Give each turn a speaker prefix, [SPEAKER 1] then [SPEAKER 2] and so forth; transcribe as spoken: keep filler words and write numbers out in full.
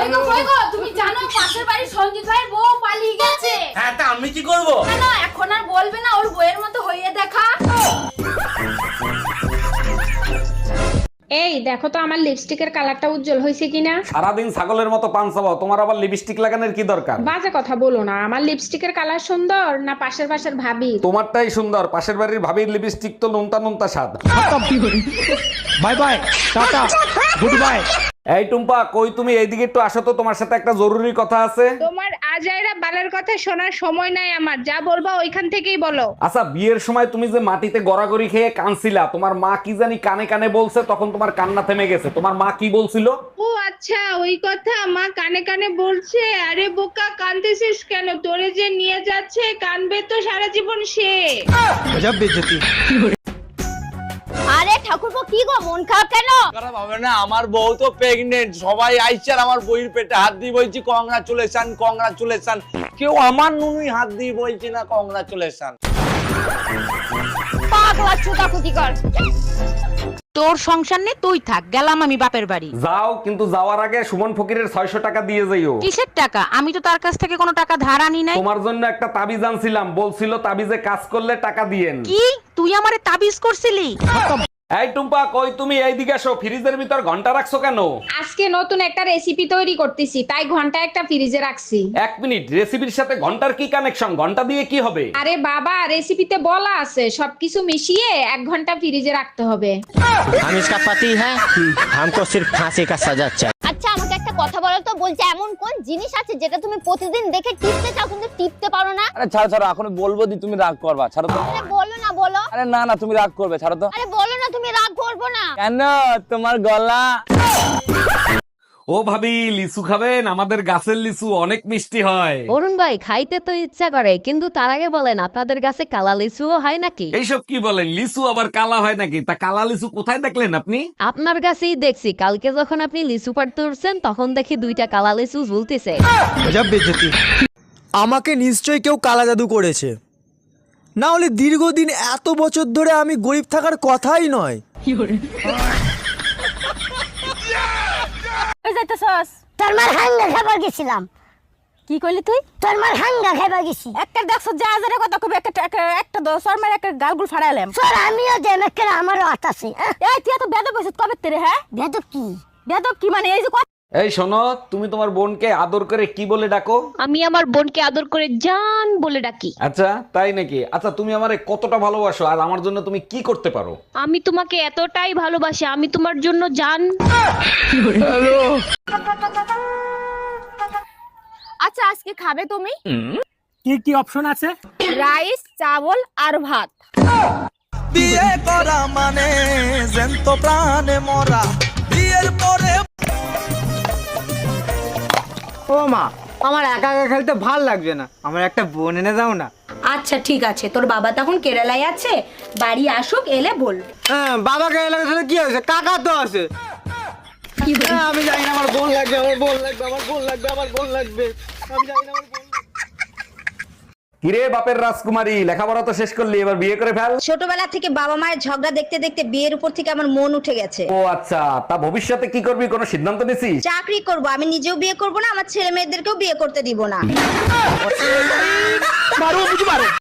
[SPEAKER 1] কই গো কই গো তুমি জানো পাশের বাড়ি সঞ্জিত ভাই বউ পালিয়ে গেছে।
[SPEAKER 2] হ্যাঁ তা আমি কি করব?
[SPEAKER 1] না এখন আর বলবে না, ওর বউয়ের মতো হইয়ে দেখা।
[SPEAKER 3] এই দেখো তো আমার লিপস্টিকের কালারটা উজ্জ্বল হয়েছে কিনা।
[SPEAKER 4] সারাদিন ছাগলের মতো পান চাবাও, তোমার আবার লিপস্টিক লাগানোর কি দরকার?
[SPEAKER 3] বাজে কথা বলো না, আমার লিপস্টিকের কালার সুন্দর না পাশের পাশের ভাবি?
[SPEAKER 4] তোমারটাই সুন্দর, পাশের বাড়ির ভাবির লিপস্টিক তো নুনতা নুনতা স্বাদ।
[SPEAKER 5] Bye bye, ta ta, good bye.
[SPEAKER 4] এই টুম্পা, কই তুমি? এইদিকে একটু আসো তো, তোমার সাথে একটা জরুরি কথা আছে।
[SPEAKER 3] তোমার আজাইরা বালের কথা শোনার সময় নাই আমার, যা বলবা ওইখান থেকেই বলো।
[SPEAKER 4] আচ্ছা, বিয়ের সময় তুমি যে মাটিতে গড়াগড়ি খেয়ে কানছিলা, তোমার মা কি জানি কানে কানে বলছে, তখন তোমার কান্না থেমে গেছে। তোমার মা কি বলছিল?
[SPEAKER 3] ও আচ্ছা, ওই কথা মা কানে কানে বলছে। আরে বোকা, কানতেছিস কেন? তোরে যে নিয়ে যাচ্ছে, কানবে তো সারা জীবন সে।
[SPEAKER 5] গজব বেইজ্জতি।
[SPEAKER 1] আরে ঠাকুরপো কি গো মন খারাপ কেন?
[SPEAKER 2] খারাপ হবে না, আমার বউ তো প্রেগনেন্ট, সবাই আইছে আর আমার বউয়ের পেটে হাত দিয়ে বলছি কংগ্রাচুলেশন কংগ্রাচুলেশন। কেউ আমার নুনুই হাত দিয়ে বলছে না কংগ্রাচুলেশন।
[SPEAKER 1] পাগলা চুদা কুতি কর।
[SPEAKER 6] তোর সংসার নে, তুই থাক, গেলাম আমি বাপের বাড়ি।
[SPEAKER 4] যাও, কিন্তু যাওয়ার আগে সুমন ফকিরের ছয়শ টাকা দিয়ে যাইও।
[SPEAKER 6] কিসের টাকা? আমি তো তার কাছ থেকে কোনো টাকা ধার আনি নাই।
[SPEAKER 4] তোমার জন্য একটা তাবিজ আনছিলাম, বলছিল তাবিজে কাজ করলে টাকা দিয়েন।
[SPEAKER 6] কি তুই আমারে তাবিজ করছিলি?
[SPEAKER 4] এই টুম্পা, কই তুমি? এইদিকে আসো। ফ্রিজের ভিতর ঘন্টা রাখছো কেন?
[SPEAKER 3] আজকে নতুন একটা রেসিপি তৈরি করতেছি, তাই ঘন্টা একটা ফ্রিজে রাখছি।
[SPEAKER 4] এক মিনিট, রেসিপির সাথে ঘন্টার কি কানেকশন? ঘন্টা দিয়ে কি হবে?
[SPEAKER 3] আরে বাবা, রেসিপিতে বলা আছে সবকিছু মিশিয়ে এক ঘন্টা ফ্রিজে রাখতে হবে।
[SPEAKER 5] हम इसका पति है, हमको सिर्फ फांसी का सजा चाहिए।
[SPEAKER 1] আচ্ছা আমাকে একটা কথা বলো তো, বলছে এমন কোন জিনিস আছে যেটা তুমি প্রতিদিন দেখে টিপতে চাও কিন্তু টিপতে পারো না?
[SPEAKER 2] আরে ছাড়ো ছাড়ো, এখন বলবো দি তুমি রাগ করবা, ছাড়ো তো।
[SPEAKER 1] আরে বলো না বলো।
[SPEAKER 2] আরে না না, তুমি রাগ করবে, ছাড়ো তো।
[SPEAKER 1] আরে বলো না, তুমি রাগ করবো না।
[SPEAKER 2] কেন? তোমার গলা।
[SPEAKER 4] ও ভাবি, লিচু খাবেন? আমাদের গাছের লিচু অনেক মিষ্টি হয়।
[SPEAKER 7] অরুণ ভাই, খাইতে তো ইচ্ছা করে, কিন্তু তার আগে বলেন আপনাদের কাছে কালা লিচুও হয় নাকি?
[SPEAKER 4] এইসব কি বলেন? লিচু আবার কালা হয় নাকি? তা কালা লিচু কোথায় দেখলেন আপনি?
[SPEAKER 7] আপনার কাছেই দেখছি, কালকে যখন আপনি লিচু পাড়তে উঠছেন তখন দেখি দুইটা কালা লিচু ঝুলতেছে।
[SPEAKER 5] গজব বেইজ্জতি। আমাকে নিশ্চয়ই কেউ কালা জাদু করেছে, না হলে দীর্ঘদিন এত বছর ধরে আমি গরিব থাকার কথাই নয়।
[SPEAKER 1] ওই যাইতেছস?
[SPEAKER 8] তোর মার হাঙ্গা খাবার গেছিলাম।
[SPEAKER 1] কি কইলি তুই?
[SPEAKER 8] তোর মার হাঙ্গা খাবার গেছি।
[SPEAKER 1] একটা দেখছ যা হাজারে কথা কবি, একটা একটা- একটা দশর মার একটা গালগুল ফাড়াইলাম।
[SPEAKER 8] তোর আমিও দেম একটা, আমারও হাত আছে।
[SPEAKER 1] এই তুই এত বেদব হইছিস কবে তেরে? হ্যাঁ
[SPEAKER 8] বেদব কি?
[SPEAKER 1] বেদব কি মানে? এই যে কথা
[SPEAKER 4] এই শোনো, তুমি তোমার বোনকে আদর করে কি বলে ডাকো?
[SPEAKER 7] আমি আমার বোনকে আদর করে জান বলে ডাকি।
[SPEAKER 4] আচ্ছা তাই নাকি? আচ্ছা, তুমি আমারে কতটা ভালোবাসো আর আমার জন্য তুমি কি করতে পারো?
[SPEAKER 7] আমি তোমাকে এতটাই ভালোবাসি, আমি তোমার জন্য জান।
[SPEAKER 1] আচ্ছা আজকে খাবে তুমি?
[SPEAKER 5] কি কি অপশন আছে?
[SPEAKER 1] রাইস, চাবল আর ভাত।
[SPEAKER 5] বিয়ে করা মানে জ্যান্ত প্রাণে মরা, বিয়ের পরে। ও মা, আমার একা একা খেলতে ভাল লাগছে না, আমার একটা বোন এনে দাও না।
[SPEAKER 1] আচ্ছা ঠিক আছে, তোর বাবা তখন কেরালায় আছে, বাড়ি আসুক, এলে বল।
[SPEAKER 5] হ্যাঁ, বাবাকে এলাকা সাথে কি হয়েছে? কাকা তো আছে। হ্যাঁ, আমি জানি না, আমার বোন লাগবে, আমার বোন লাগবে, আমার বোন লাগবে, আমার বোন লাগবে, আমি জানি না, আমার বোন লাগবে।
[SPEAKER 4] কিরে বাপের রাজকুমারী, লেখাপড়া তো শেষ করলি, এবার বিয়ে করে ফেল।
[SPEAKER 8] ছোটবেলা থেকে বাবা মায়ের ঝগড়া দেখতে দেখতে বিয়ের উপর থেকে আমার মন উঠে গেছে।
[SPEAKER 4] ও আচ্ছা, তা ভবিষ্যতে কি করবি? কোনো সিদ্ধান্ত নিছিস?
[SPEAKER 8] চাকরি করব, আমি নিজেও বিয়ে করব না, আমার ছেলে মেয়েদেরকেও বিয়ে করতে দিব না।